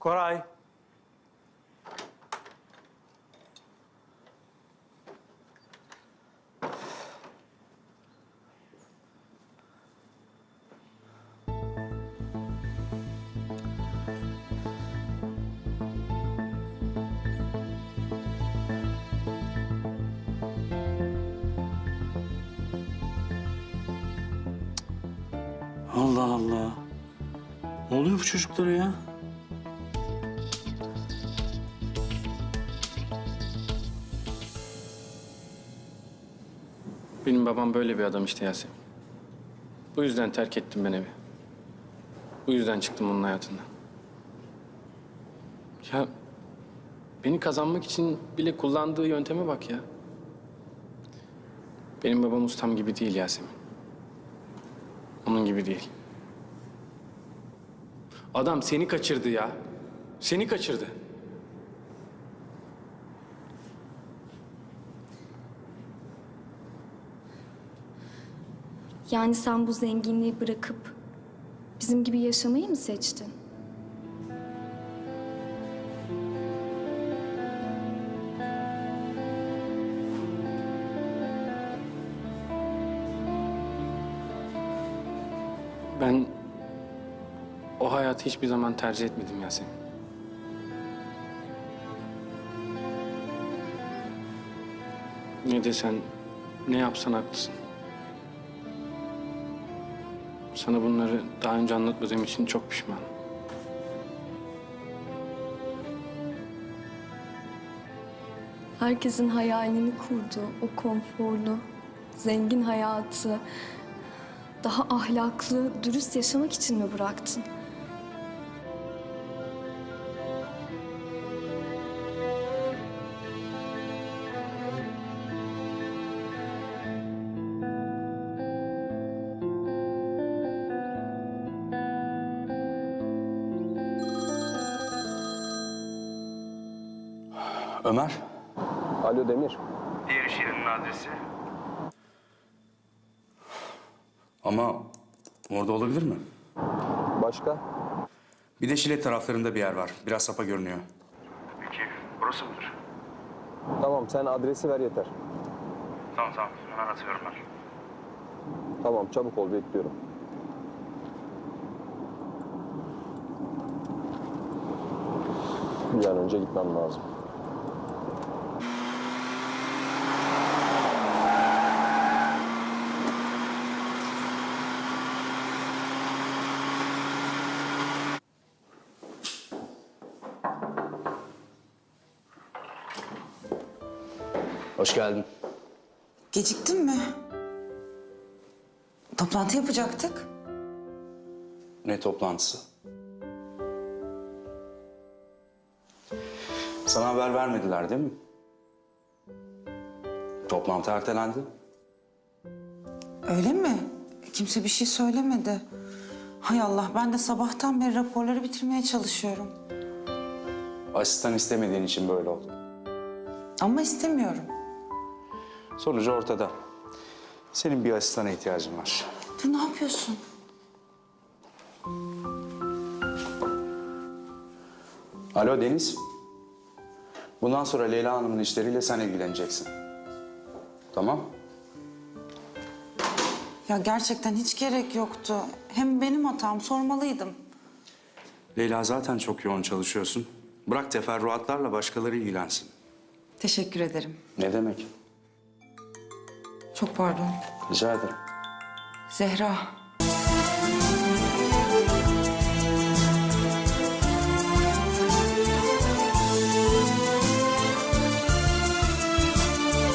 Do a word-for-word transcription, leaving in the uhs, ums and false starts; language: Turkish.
Koray. Allah Allah. Ne oluyor bu çocuklara ya? Benim babam böyle bir adam işte Yasemin. Bu yüzden terk ettim ben evi. Bu yüzden çıktım onun hayatından. Ya beni kazanmak için bile kullandığı yönteme bak ya. Benim babam ustam gibi değil Yasemin. Onun gibi değil. Adam seni kaçırdı ya. Seni kaçırdı. Yani sen bu zenginliği bırakıp bizim gibi yaşamayı mı seçtin? Ben o hayatı hiçbir zaman tercih etmedim Yasemin. Ne desen, ne yapsan haklısın. Sana bunları daha önce anlatmadığım için çok pişmanım. Herkesin hayalini kurduğu o konforlu, zengin hayatı daha ahlaklı, dürüst yaşamak için mi bıraktın? Ömer. Alo Demir. Diğer iş yerinin adresi. Ama orada olabilir mi? Başka? Bir de Şile taraflarında bir yer var. Biraz sapa görünüyor. Peki, burası mıdır? Tamam sen adresi ver yeter. Tamam tamam, hemen atıyorum ben. Tamam çabuk ol bekliyorum. Bir an önce gitmem lazım. Hoş geldin. Geciktin mi? Toplantı yapacaktık. Ne toplantısı? Sana haber vermediler değil mi? Toplantı ertelendi. Öyle mi? Kimse bir şey söylemedi. Hay Allah, ben de sabahtan beri raporları bitirmeye çalışıyorum. Asistan istemediğin için böyle oldu. Ama istemiyorum. Sonucu ortada. Senin bir asistana ihtiyacın var. Dur, ne yapıyorsun? Alo Deniz. Bundan sonra Leyla Hanım'ın işleriyle sen ilgileneceksin. Tamam? Ya gerçekten hiç gerek yoktu. Hem benim hatam, sormalıydım. Leyla zaten çok yoğun çalışıyorsun. Bırak teferruatlarla başkaları ilgilensin. Teşekkür ederim. Ne demek? Çok pardon. Rica ederim. Zehra,